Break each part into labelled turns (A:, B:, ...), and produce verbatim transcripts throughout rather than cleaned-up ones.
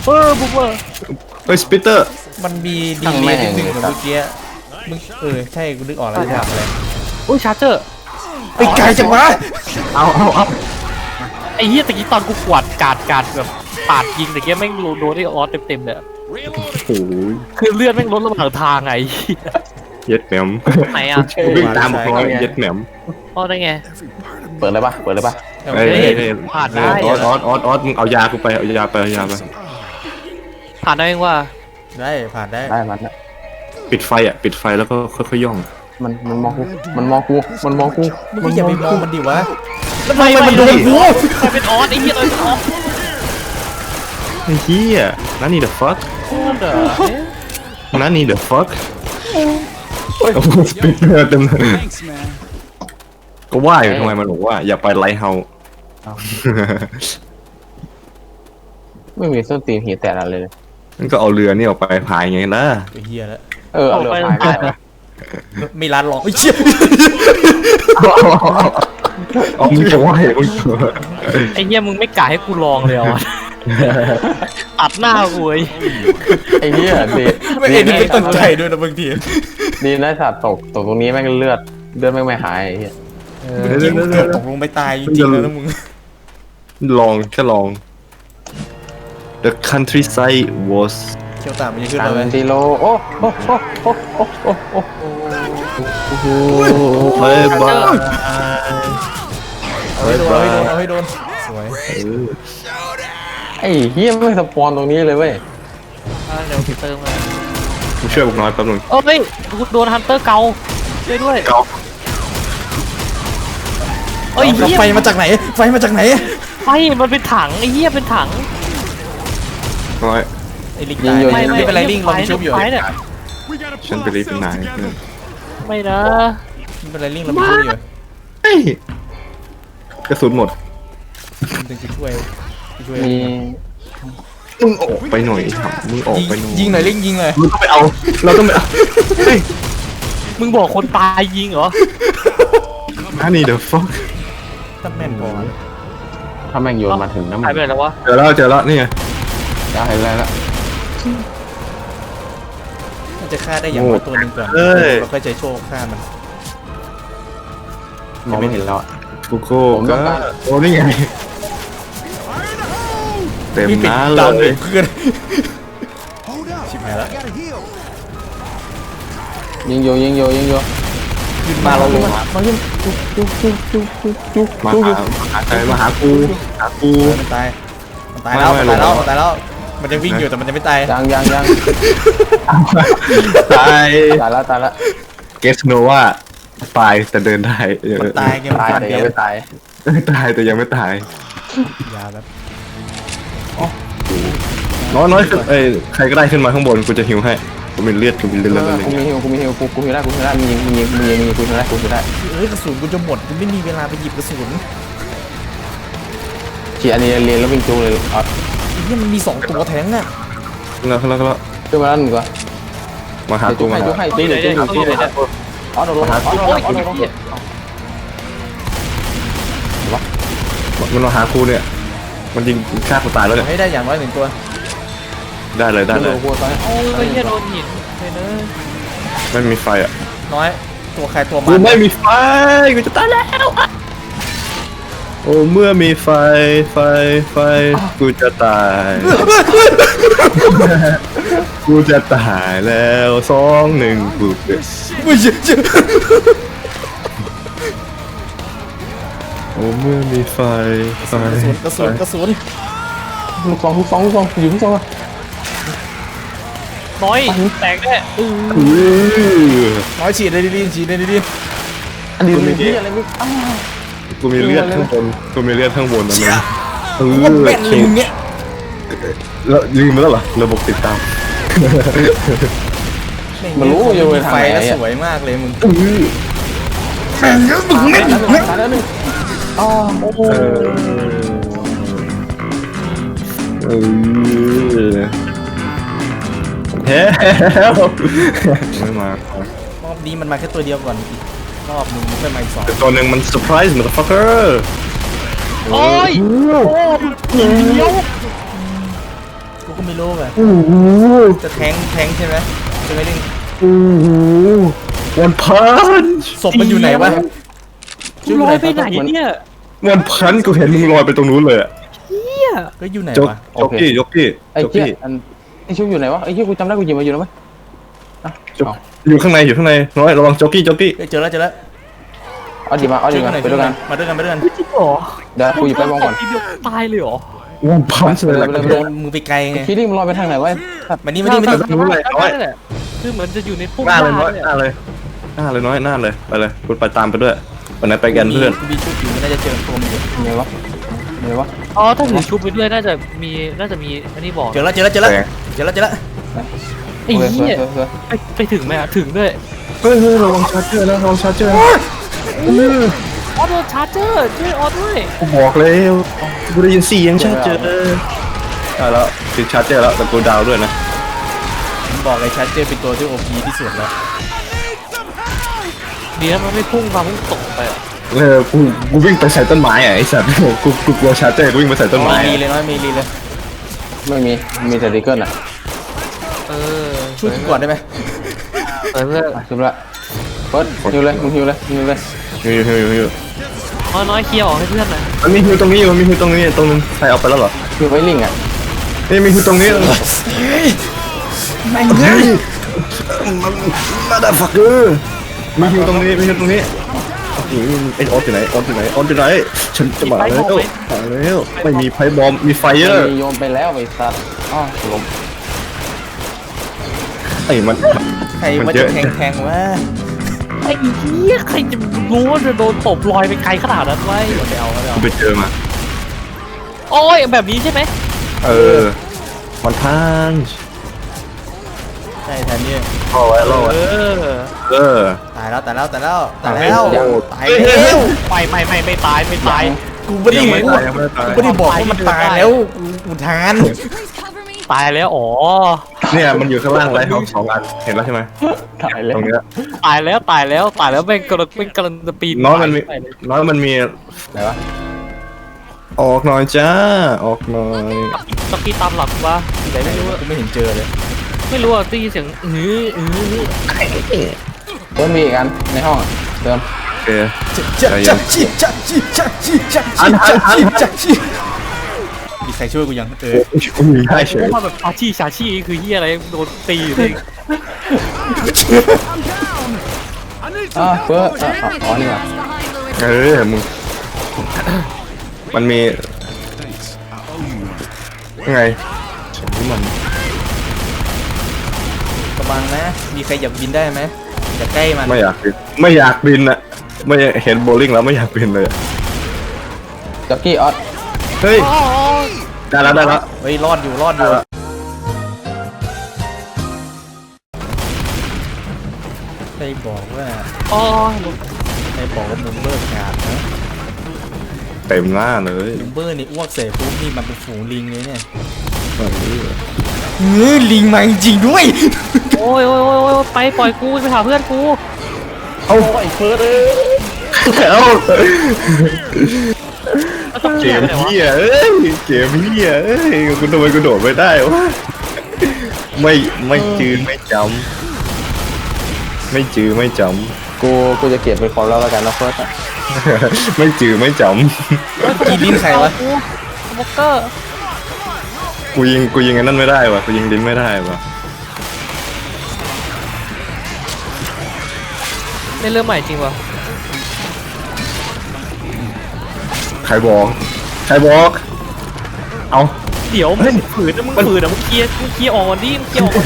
A: เออบุ๊กเออ
B: เฮ้ยสปิเตอร์
C: มันมีดีเลย์นิดนึงเหมือนเมื่อกี้มึงเออใช่กูนึกออกแล้วจะถามอะไร
A: อุ้ยชาร์เจอร์
C: ไอ้ไก่จังวะ
B: เอาเอาเอา
A: ไอ้เหี้ยตะกี้ตอนกูกวาดกาดกาดแบบปาดยิงตะกี้แม่งโดนไอ้ออสเต็มๆเลย
B: โอ้ย
A: คือเลือดแม่งลดระหว่างทางไง
B: เย็ดแหนม
A: ไหนอ่ะ
B: วิ่งตามบอกว่าเย็ดแหนม
A: อ๋อได้ไง
D: เปิดเลยปะเปิดเลยปะ
B: เฮ้ย
A: ผ่านได้
B: ออสออสออสออสมึงเอายากูไปเอายาไปเอายาไป
A: ผ่านได้เองว่า
C: ได้ผ่านได้
D: ได้มัน
B: ปิดไฟอ่ะปิดไฟแล้วก็ค่อยๆย่อง
D: มันมันมองกูมันมองกูมันมองกู
C: มึงอย่าไปมองมันดิวะ
A: ทำไมมันโดนกูใครเป็นออสไอ้เหี้ยเลยเป็นออส
B: ไอ้เหี้ยนั่นนี่ the fuck นั่นนี่ the fuck โอ้โหสปิเตอร์เต็มเลยก็ว่าอยู่ทำไมมันบอกว่าอย่าไปไลท์เฮา
D: ไม่มีส้นตีนหีแตกอะไรเลย
B: นั่นก็เอาเรือนี่ออกไปพายไงล่ะ
C: ไอ้เหี้ยแล้ว
D: เออเอาเรือพายไป
C: ไม่ร้านหรอกไอ้เชี่ย
B: เอามึงจะว่าไงมึง
A: ไอ้เหี้ยมึงไม่กะให้กูลองเลยอ่ะอัดหน้ากูไอ้
D: ไอ้เหี้ยดี
C: ไม่เอ็นไม่ตั้งใจด้วยนะบางที
D: ดีนะสัตว์ตกตกตรงนี้แม่งเลือดเลือดแม่งไม่หายไอ้เหี้ย
C: จริงเกือบตกลงไปตายจริงๆแล้วนะมึง
B: ลองแค่ลอง The countryside was
C: เชี่ยวตามมันจะขึ้นมาไหม
D: ติโลโอ้โอ้โอ้โอ้โอ้โอ้โอ้โอ้โห
B: เฮ้ยบ้า
C: เอาให้โดนเอาให้โดนเอาให้โดนสวย
D: ไอ้เฮียไม่สปอนตรงนี้เลยเว้ย
A: เดี๋ยวเติมมา
B: กูช่วยบุกน้อยแป๊บนึง
A: เออเฮ้ยกูโดนฮันเตอร์เกาช่วยด้วย
B: เกา
C: เฮ้ยไฟมาจากไหนไฟมาจากไหน
A: ไฟมันเป็นถังไอ้เหี้ยเป็นถัง
B: น้อย
C: ไอ้ลิงตายไม่ไม่เป็นไรลิงเราชุบอยู่
B: ฉันไปรีบเป็นนาย
A: ไม่นะ
C: ไม่เป็นไรลิงเราชุบอยู่
B: เฮ้ยกระสุนหมด
C: ดึงช่วยช่วย
D: มี
B: มึงออกไปหน่อยครับมึงออกไปหน่อย
C: ยิงหน่อยลิงยิงเลย
B: มึงต้องไปเอาเราต้องไปเอาเฮ้ย
A: มึงบอกคนตายยิงเหรอ
B: อันนี้ the fuck
C: ตั้งแม่นพอ
D: ถ้าแม่งโยนมาถึงน้ำมัน
A: หายไปแล้ววะ
B: เจอแล้วเจอแล้วนี่ไง
D: ได้แล้วละ
C: มันจะฆ่าได้อย่างตัวหนึ่งก่อนเราค่อยใจโชคฆ่ามัน
D: มองไม่เห็นแล้ว
B: กูโก้ก็โอ้นี่ไงเต็มหน้าเลย
C: เพื่อนชิบหายแล้ว
D: ยิงโยยิงโยยิงโย
C: ยิงมาเราเลย
D: มายิงจุ๊บจุ๊บจุ๊บจุ๊บจุ๊บจุ๊บ
B: มาหาใครมาหากูหากู
C: มันตายมันตายแล้วมันตายแล้วมันตายแล้วมันจะวิ่งอยู่แต่มันจะไม่ตาย
D: ยังยังยัง
B: ตาย
D: ตายแล้วตายแล้ว
B: เกสโนว่าตายแต่เดินได้
C: มันตายยัง
D: ตายแต่ยังไม่ตาย
B: ตายแต่ยังไม่ตาย
C: ยาแบบ
B: น้อยน้อยเอ้ยใครก็ได้ขึ้นมาข้างบนกูจะฮิวให้กูมีเลือดกูมีเลือดอะไร
D: กูมีฮิวกูมีฮิวกูกูฮิวได้กูฮิวได้มียิงมียิงมียิงมีกูฮิวได้กูฮิวได้
C: เอ้ยกระสุนกูจะหมดกูไม่มีเวลาไปหยิบกระสุน
D: ฉีดอันนี้เรียนแล้ววิ่งจูเลยอ๋อ
C: นี่มันมีสองตัวแทงอ่ะ
B: แล้วแล้วแล้ว
D: ขึ้นมาแล้วหนึ่งก่อน
B: มาหากูมา
D: จูให้จูให้จูจูจูอ๋อโดนอ๋อโดนอ๋อโดน
B: วะมันมาหากูเนี่ยมันยิงฆ่ากูตายแล้วเนี่ย
C: ให้ได้อย่างน้อยหนึ่งตัว
B: ได้เลยได้เลย
A: โอ้ยโดนหินเลยเนอะ
B: ไม่มีไฟอ่ะ
C: น้อยตัวใครตัวมัน
B: กูไม่มีไฟกูจะตายแล้วโอ้เมื่อมีไฟไฟไฟกูจะตายกูจะตายแล้วสองหนึ่งกู
C: ไม่ใช่
B: โอ้เมื่อมีไฟไฟ
C: กระสุนกระสุน
D: ลูกซองลูกซองลูกซองอยู่ลูกซอง
A: น้อยแตกได้
C: น้อยฉีดเลยดิฉีดเลยดิ
D: อันนี้มีที่อะไรไม่
B: กูมีเลือดข้างบนกูมีเลือดข้างบนนะมึงเออ
C: เป็นลิงเนี่ย
B: แล้วลืมไปแล้วเหรอระบบติดตาม
D: มันรู้อยู่ในไฟ
C: แล้วสวยมากเลยมึง
D: แข่งเยอะมึงไม่ตายแล้วหนึ่งอ๋อโอ้
B: เออเฮ้ยไม่มาร
C: อบนี้มันมาแค่ตัวเดียวก่อนรอบนึงไม่มาอีกสอง
B: ตัวหนึ่งมันเซอร์ไพรส์มันฟักเกอร์
A: โอ้ยโอ้ยเดียว
C: กูก็ไม่รู้แบบ
B: โอ้โห
C: จะแทงแทงใช่ไหมใช่ไหมลิง
B: โอ้โหวันพัน
C: ศพมันอยู่ไหนวะ
A: กูลอยไปไหนเนี่ย
B: วันพันกูเห็นมึงลอยไปตรงนู้นเลยอะ
C: ก็อยู่ไหน
B: โจ๊ก
C: วะ
B: โจ๊กกี้โจ๊กกี้
D: ไอ้
B: โจ๊ก
D: เหี้ย
B: กี้
D: อันไอ้ชุบอยู่ไหนวะไอ้เหี้ยกูจำได้กูหยิบมาอยู่แล้วไหม
B: โจ๊กอยู่ข้างในอยู่ข้างในน้อยระวังโจ๊กกี้โจ๊กกี้
C: เฮ้ยเจอแล้วเจอแล้ว
D: เอาดีมาเอาดี
C: ช่วย
D: มา
C: กันหน่อย
D: ไปด้วยกัน
C: มาด้วยกันมาด้วยกัน
A: จริงเหรอ
D: เดี๋ยวกูหยิบไปมองก่อน
A: ทีเดียวตายเลยเหรอ
B: วันพันเลย
D: ไป
B: แหละ
D: เลยไป
C: โด
D: เลย
C: นมือไปไกลไง
D: คิดดิมึงลอยไปทางไหนวะ
C: มานี่มานี่มานี่
B: ไม่รู้เลยน้อย
A: นั่นแหละคือเหมือนจะอยู่ในพุ่ม
B: หน้าเลยน้อย
A: เนี่ย
B: หน้าเลยหน้าเลยน้อยหน้าเลยไปเลยคุณไปตามไปด้วยวันไหนไปกันเพื่อน
C: มีชุดอยู่ไม่น่าจะเจอตัวมันอยู่
D: มีวะมีวะ
A: อ๋อถ้าถือชุบไปด้วยน่าจะมีน่าจะมีอันนี้บอก
C: เจอแล้วเจอแล้วเจอแล้วเจอแล้วเจอแล้ว
A: ไอ้เหี้ย
D: เสือ
A: ไปไปถึงไหมอะถึงด้วย
B: เฮ้ยเฮ้ยระวังชาร์เจอร์นะระวังชาร์เจอร์นะ
A: ออโดนชาร์เจอร์ช่วยออด้วย
B: กูบอกแล้วกูได้ยินเสียงชาร์เจอร์ได้แล้วติดชาร์เจอร์แล้วแต่กูดาวด้วยนะ
C: ผมบอกเลยชัดเจนเป็นตัวที่โอพีที่สุดแล้ว
A: ดีนะมันไม่พุ่งมาพุ่งตกไปอะ
B: เออกูกูวิ่งไปใส่ต้นไม้อ่ะไอ้สัตว์กูกูกลัวชาร์เจอร์กูวิ่งไปใส่ต้นไม้
C: มี
B: อะ
C: เลยน้อยมีรีเลย
D: ไม่มีมีแต่ดิเกิลอ่ะ
A: เออ
C: ช่วยกูก่อนได้ไหม
A: เออ
D: ชุบละเฟิร์สฮิวเลยมึงฮิวเลยฮิวเลย
B: ฮิวฮิวฮิวฮิว
A: น้อยน้อยเคลียร์ออกให้เพื่อนหน่อย
B: มันมีฮิวตรงนี้อยู่มันมีฮิวตรงนี้ตรงนึงใครเอาไปแล้วเหรอ
D: ฮิวไว้ลิงอ่ะ
B: นี่มีฮิวตรงนี้
C: ไม่เงี้ย
B: มันมาดาฟักเกอร์มีฮิวตรงนี้มีฮิวตรงนี้ไอ้ออสอยู่ไหนออสอยู่ไหนออสอยู่ไหนฉันจะมาแล้วมาแล้วไม่มีไพ่บอมมีไฟเออร์
D: มีโยนไปแล้วไอ้สัตว์อ๋อล้ม
B: ไอ้มัน
C: ใครมาจะแทงแทงวะ
A: ไอ้เหี้ยใครจะรู้ว่าจะโดนตบลอยไปไกลขนาดนั้นไว้เดี๋ยวไปเอาเดี๋ยว
B: กูไปเจอมา
A: โอ้ยแบบนี้ใช่ไหม
B: เออมันพัน
C: ใช่แทนนี่
B: รอไว้รอ
A: เอ
B: ไว้
A: อ
B: เออ
C: ตายแล้วตายแล้วตายแล้วตายแล้วตาย
B: เฮ้ย
C: แล้ว
A: ไม่ไม่ไม่ไม่ตายไม่ตาย
C: กูไม่ได้
B: ยังไม่
C: พูด
B: ตายยังไม่ตาย
C: กูไม่ได้บอกว่ามันตายแล้วกูกูทาน
A: ตายแล้วอ๋อ
B: เนี่ยมันอยู่ข้างล่างไรท้องสองอันเห็นแล้วใช่ไหม
D: ถ่ายเลย
B: ตรงเนี้ย
A: ตายแล้วตายแล้วตายแล้วแม่งกำลังแม่งกำลังจะปีน
B: น้อยมันมี
A: ไปเลย
B: น้อยมันมี
D: ไหนวะ
B: ออกหน่อยจ้าออกหน่อย
A: ตะกี้ตามหลังวะไหนไม่รู้อะ
C: กูไม่เห็นเจอเลย
A: ไม่รู้อ่ะได้ยินเสียงอื้ออื้อ
D: เฟิร์สมีอีกอันในห้องอะเติม
B: โอเค
C: จะจะจีจะจีจะจีจะจีจะจีจะจีมีใครช่วยกูยังเออ
B: กูมีให้เฉย
A: ว่าแบบชาชีชาชีคือเฮียอะไรโดนตีอยู่เลย
D: อ่าเฟิร์สอ่ะอ๋ออ๋อนี่ว่ะ
B: เออมึงมันมียังไงฉันนี่มัน
C: ระวังนะมีใครอยากบินได้ไหมอย่าใกล้มัน
B: ไม่อยากบินไม่อยากบินอะไม่เห็นโบลิ่งแล้วไม่อยากบินเลยอะ
D: จ็อกกี้ออส
B: เฮ้ยได้แล้วได้แล้ว
C: เฮ้ยรอดอยู่รอดอยู่ใครบอกว่า
A: อ๋อ
C: ใครบอกว่ามุมเบอร์ขาดนะ
B: เต็มหน้าเลย
C: มุมเบอร์นี่อ้วกเสร็จปุ๊บนี่มันเป็นฝูงลิงเลยเนี่ย
B: เออ
C: เออลิงมาจริงๆด้วย
A: โอ้ยโอ้ยโอ้ยโอ้ยไปปล่อยกูไปหาเพื่อนกู
B: เอาไอ้เฟิร์สเอ้ยเอา
A: แล้วต้อง
B: เก
A: เกีย
B: ม
A: ร์ไปไหนวะ
B: เหี้ยเอ้ยเกมเหี้ยเอ้ยกูทำไมกูโดดไม่ได้วะไม่ไม่จืดไม่จำไม่จืดไม่จ
D: กูกูจะเก็บเป็นความลับแล้วกันนะเฟิร์สอะ
B: ำไม่จืดไม่จ
C: กีลิ้นใครวะ
A: กูบ็อกเกอร์
B: ำกูยิงกูยิงอันนั้นไม่ได้วะกูยิงลิ้นไม่ได้วะ
A: เล่นเรื่องใหม่จริงวะ
B: ใครบอกใครบอกเอา
A: เดี๋ยวมึงฝืนนะมึงฝืนนะมึงเคลียร์มึงเคลียร์ออกก่อนดิมึงเคลียร์ออกก่อน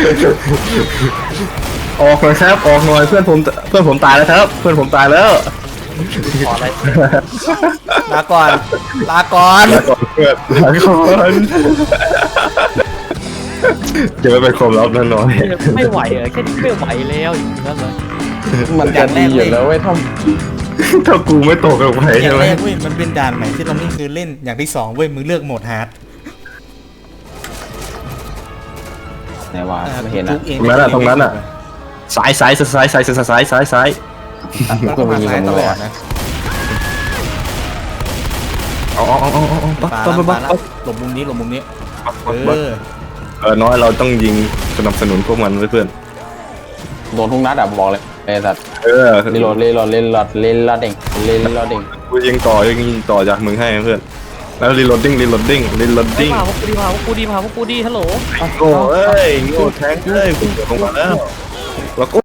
B: ออกหน่อยครับออกหน่อยเพื่อนผมเพื่อนผมตายแล้วครับ เพื่อนผมตายแล้ว
A: ขออะไร
C: ลาก่อนลาก่อน
B: ลาก่อนเพื่อนลาก่อนจะไม่เป็นความลับนั่นน้อย
A: ไม่ไหวเหรอแค่นี้ไม่ไหวแล้วอย่างนั้นเลย
D: มันจะดีอยู่แล้วเว้ยถ้า
B: ถ้ากูไม่ตกลงไป
C: อย่า
B: ใช่
C: ง
B: ไหม
C: แรกเว้ยมันเป็นด่านใหม่ที่เราไม่เคยเล่นอย่างที่สองเว้ยมึงเลือกโหมดฮาร์ด
D: ไหนวะไม่เห็น
C: ทุ
D: นะ
C: กเอง
B: ตรงนั้นอ่ะตรงนั้นอ่ะสายสายสายสายสายสายสายสาย
C: มันก็มาซ้ายตลอดนะ
B: เอาเอาเอาเอาเอาปั๊บ
C: ปา
B: ปั๊บ
C: แล้ว
B: ปั๊
C: ปา
B: บ
C: แล้ว
B: ปั๊บ
C: หลบมุมนี้หลบมุมนี้
B: ปั๊บ
C: เอ
B: ปั๊บ
C: อ
B: เออน้อยเราต้องยิงสนับสนุนพวกมันเพื่อน
D: โดนทุกนัดอะบอกเลยไอ้สัตว์
B: เออ
D: รีโหลดรีโหลดรีโหลดรีโหลดเด้งรีโหลดเด้ง
B: กูยิงต่อยิงต่อจากมึงให้เพื่อนแล้วรีโหลดดิ้งรีโหลดดิ้งรีโหลด
A: ดิ้
B: ดิ้
A: ง
B: ง
A: มาพวกกูดีมาพวกกูดีมาพวกกูดีฮัลโหล
B: โง่เอ้ยโง่แทงเอ้ยกูลงมาแล้วแล้วก็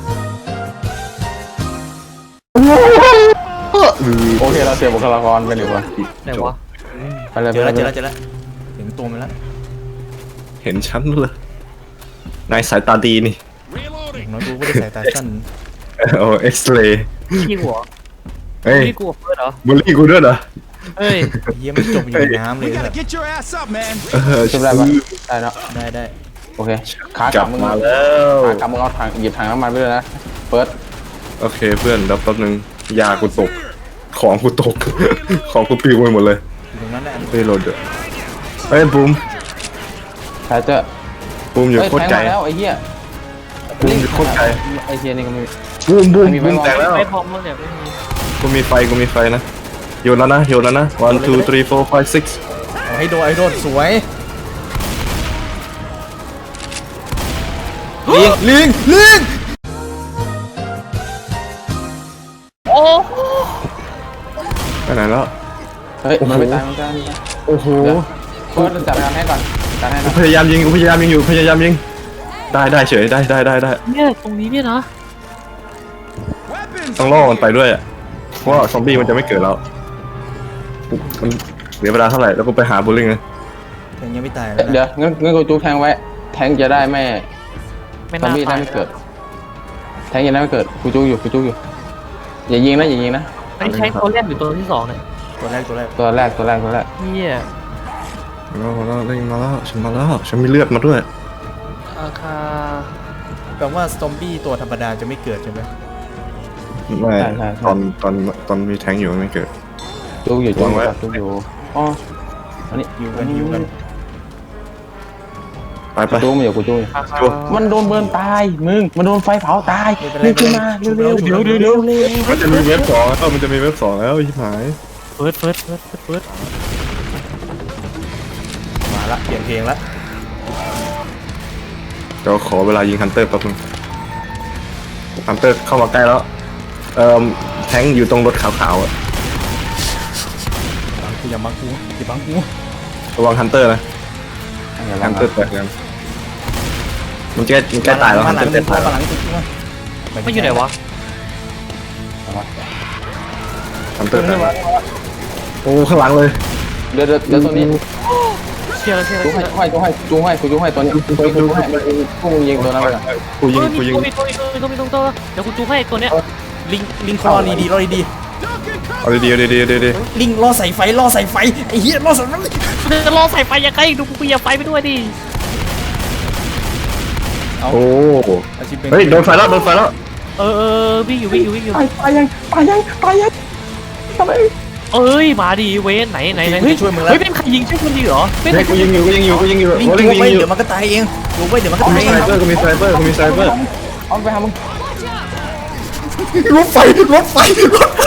D: โอเคเราเสียบุคลากรกันอยู่วะ
A: ไหนวะ
D: ไปเลย
C: เจอแล้วเจอแล้วเจอแล้วเห็นตัวมันแล้ว
B: เห็นชั้นเลยนายสายตาดีนี่
C: อย่างน้อยกูไม่ได้ใส่ตาสั้น
B: โอ้เอ็กซเรย์
A: ขี้หัว
B: เฮ้ย
A: นี่กูเพื่อนเหรอ
B: บูลลี่กูด้วยเหรอ
A: เฮ้ย
C: เยี่ยมนจมอยู่ในน้ำเลย
E: You
C: สั
E: gotta
C: ตว์
E: get your ass up, man.
B: เออ
D: ชุบได้ปะได้เนาะ
C: ได้ได้
D: โอเคขาก
B: ก
D: ลั
B: ลั
D: บบ มึง
B: มาแล้ว
D: ขากลับมึงเอาถังหยิบถังน้ำมันไปเลยนะเปิด
B: โอเคเพื่อนเดี๋ยวแป๊บนึงยากูตกของกูตก ของกูปลิวไปหมดเลย
C: อยู่ตรงนั้นแหละ
B: รีโหลดด้วยเฮ้ยบูม
D: ใครเจอ
B: บูมอยู่
D: เฮ้ย
B: โคตร
D: แทง
B: ไกล
D: มาแล้วไอ้เหี้ย
B: บูมอยู่โคตรไกล
D: ไอ้เหี้ยนี่ก็ไม่
B: บูมบูม
D: ไม่มีไฟ
B: บูมแตกแล้ว
A: ไม่พร้อมแล้วเนี่ยไม่มี
B: กูมีไฟกูมีไฟนะโยนแล้วนะโยนแล้วนะ one two three four five six
C: เอาให้โดนไอ้โดนสวยลิงลิงลิง
A: โอ้
B: ไปไหนแล้ว
D: เฮ้ยมันไม่ตายมันไม่ตายมันไม่ตาย
B: โอ้โห
D: เดี๋ยวเปิดจัดการให้ก่อนจัดการให้
B: กู
D: นะ
B: พยายามยิงกูพยายามยิงอยู่พยายามยิงได้ได้เฉยได้ได้ได้ได้
A: เนี่ยตรงนี้เนี่ยนะ
E: Weapons.
B: ต้องล่อมันไปด้วยอะเพราะว่าซอมบี้มันจะไม่เกิดแล้วมันเหลือเวลาเท่าไหร่แล้วกูไปหาบูลลิงนะ
C: ยังยังไม่ตายแล้ว
D: เดี๋ยวงั้นงั้นกูจูแทงไว้แทงจะได้ไม่
A: ไม่
D: ซอม
A: น่า
D: บี้ได้
A: ตาย
D: ไม่เกิดแทงยังได้ไม่เกิดกูจูอยู่กูจูอยู่อย่ายิงนะอย่ายิงนะ
A: ไอ้ใช้ตัวแรกหรือตัวที่สองเนี่ย
C: ตัวแรกตัวแรก
D: ตัวแรกตัวแรกตัวแรก
A: เฮีย
B: มาแล้วเล่นมาแล้วฉันมาแล้วฉันมีเลือดมาด้วย
A: อาคา
C: แปลว่าซอมบี้ตัวธรรมดาจะไม่เกิดใช่ไหม
B: ไม่ตอนตอนตอนมีแทงอยู่มันไม่เกิด
D: จูอยู่จู
B: วาง
D: อ
B: ไว้
D: ยู่จูอยู่อ๋ออันนี้
C: ฮิวกันฮิวกัน
B: ไปไป
D: จูมาอยู่กูจูอยู่
A: อาคา
D: มันโดนเบิร์นตายมึงมันโดนไฟเผาตายรีบขึ้นมาเร็วเร็วเร็วเร็วเร็วเร็ว
B: มันจะมีเว็บสองแล้วมันจะมีเว็บสองแล้วชิบหาย
A: เฟิร์สเฟิร์สเฟิร์สเฟิร์ส
C: มาละเปลี่ยนเพลงละ
B: เดี๋ยวขอเวลายิงฮันเตอร์แป๊บนึงฮันเตอร์เข้ามาใกล้แล้วเอ่อแทงอยู่ตรงรถขาวๆอะ
C: บังกูอย่าบังกูอย่าบังกู
B: ระวังฮันเตอร์นะ
D: อย่า
B: ฮั
D: บัง
B: นเตอร์แตกยังมันแก้มันแก้ตายแล้ว
C: มา
B: ฮัน
C: หลั
B: เตอง ร์แก้ตาย
C: มา
B: แล้ว
C: หลังจริงๆ
A: ไม่อยู่ไหนวะ
B: ฮันเตอร์แตกโอ้ข้างหลังเลย
D: เดี๋ยวเดี๋ยวเดี๋ยวตัวนี้
A: เชียร์เชียร์
D: จู
A: เชี
D: ให้
A: ยร์
D: จูให้จูให้จูให้จูให้ตัวนี้ตัวนี้จูให้พวกมึงยิงตัวนั้นไปก่อน
B: กูยิงกูยิง
A: มีตัวมีตัวมีตัวมีตัวมีตัวเดี๋ยวกูจูให้ตัวเนี้ย
C: ลิงลิงคอดีดีรอดีดี
B: เอาดีๆเอาดีๆเอาดี
C: ลิงล่อใส่ไฟล่อใส่ไฟไอ้เหี้ยล่อใส่ไฟ
A: จะรอใส่ไฟยังไงดูกูอย่าไฟไปด้วยดิ
B: ๆโอ้
C: อาชีพเป็น
B: เฮ้ยโดนไฟแล้วโดนไฟแล้ว
A: เออเออวิ่งอยู่วิ่งอยู่วิ่งอยู่
D: ตายตายยังตายยังตายยังทำไม
A: เอ้ยมาดิเวนไหนไหนไหนเฮ้ยเฮ้ยเป็นใครยิงใช่คนดีเหรอเป็น
B: เฮ้ยกูยิงอยู่กูยิงอยู่กูยิงอยู่
C: ลิง
B: โอ้
C: กู
B: ลิงยิ
C: ไป
B: งอยู่
C: เดี๋ยวมันก็ตายเองกูไปเดี๋ยวมันก็
B: กู
C: ตาย
B: มี
C: เอ
B: ไซ
C: ง
B: เบอร์กูมีไซเบอร์กูมีไซเบอร์
D: เอาไปหามึง
C: รถไฟรถไฟรถไฟ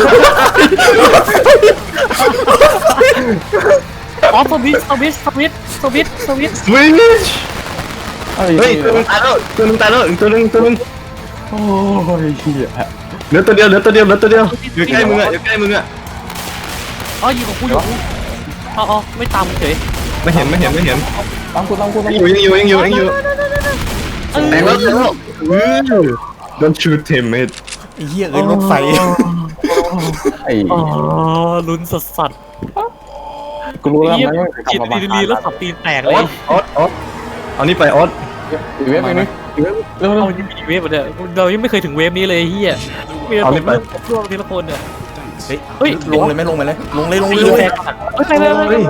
A: อ๋อสวิตสวิตสวิตสวิตสวิต
B: สวิช
D: เฮ้
B: เฮ้ย
D: ย
B: ตัวนึงตายแล้วตัวนึงตายแล้วอีกตัวนึงตัวนึง
D: โอ้ยเหี้ย
B: เหลือตัวเดียวเหลือตัวเดียวเหลือตัวเดียวอยู่ใกล้มึงอ่ะอยู่ใกล้มึงอ่ะ
A: อ๋อยิงของกูอยู่อ๋ออ๋อไม่ตามมึงเฉย
B: ไม่เห็นไม่เห็นไม่เห็น
D: ตามกูตามกูตาม
B: ยังอ
D: กู
B: ยู่ยังอยู่ยังอยู่ยังอยู่
A: เออ
B: แตกแล้วแตกแล้วอือ Don't shoot him mate
C: ไอ้เหี้ยเอ้ยรถไฟ
D: ไอ้
A: อ๋อลุ้นสัสสัส
D: กูรู้แล้ว
A: เยี่ย
D: มัน
A: กิน
D: ไม่
A: ดี
D: กลับมา
A: ดีแล้วสับตีนแตก
B: อ
A: เล
B: อย สออสออสเอานี่ไปออส
D: อีเว็บไปนึงอีเว็บเร็วเร็
A: เรา
D: ว
A: ยังมีเวฟเนี่ยเรายังไม่เคยถึงเวฟนี้เลยเฮียมีแต่ผมเริ่มร่วงทีละคนเนี่ย
C: เฮ้ย
A: เฮ้ย
C: ลงเลยไหมลงไปเลยลงเลยลง
A: ตี
C: เลยลง
A: แต
C: เลย
A: กเฮ้ยไปไปไปไป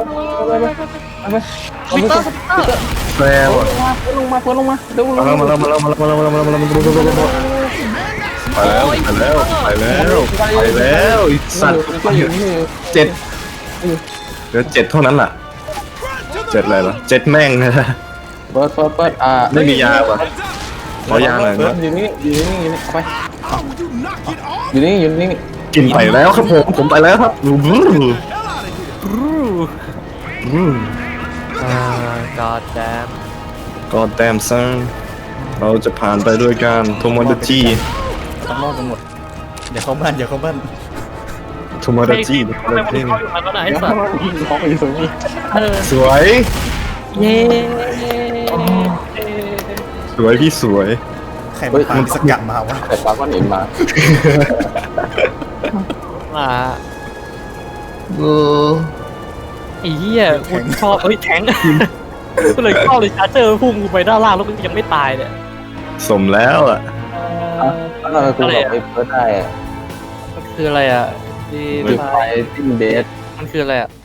A: วิกเตอร์
B: แปลว่า
D: ลงมาเฟิร์ลงมาเร็ว
B: มาแล้วมาแล้วมาแล้วมาแล้วมาแล้วมาแล้วมาแล้วมาแล้วมาแล้วมาแล้วไปแล้วไปแล้วไปแล้วไปแล้วอีสัตว์
D: ก็อยู่นี่
B: เจ็ดเหลือเจ็ดเท่านั้นล่ะเจ็ดอะไรล่ะเจ็ดแม่งนะ
D: เปิดเปิดเปิดอ่า
B: ไม่มียาป่ะขอยาหน่อยนะ
D: อยู่นี่อยู่นี่อยู่นี่เอาไปอยู่นี่อยู่นี่
B: กินไปแล้วครับผมผมไปแล้วครับ
A: อ่า god damn
B: God damn son เราจะผ่านไปด้วยกันโทโมดาจิ
C: ต้องรอดกันหมดอย่าเข้าบ้านอย่าเข้าบ้าน
B: โทโมดาจิ
A: ทำไมมึงเข้าอยู่มาแล้วนะไอ้สัตว์
D: เขาไปอยู่ตรงนี้
A: เออ
B: สวย
A: เย้
B: สวยพี่สวย
C: ใครมันพาสกัดมาวะ
D: แต่ปลาก้อนหินมา
A: มา
B: เออ
A: ไอ้เหี้ยกูชอบเอ้ยแทงก็เลยเข้าเลยชาร์เจอร์พุ่งกูไปด้านล่างแล้วมันยังไม่ตายเนี่ย
B: สมแล้วอ่ะ
D: แล้วเราคุณบอกไอ้เฟิร์สได้
A: มันคืออะไรอ่ะดี
D: คือไฟติ้งเดส
A: มันคืออะไรอ่ะ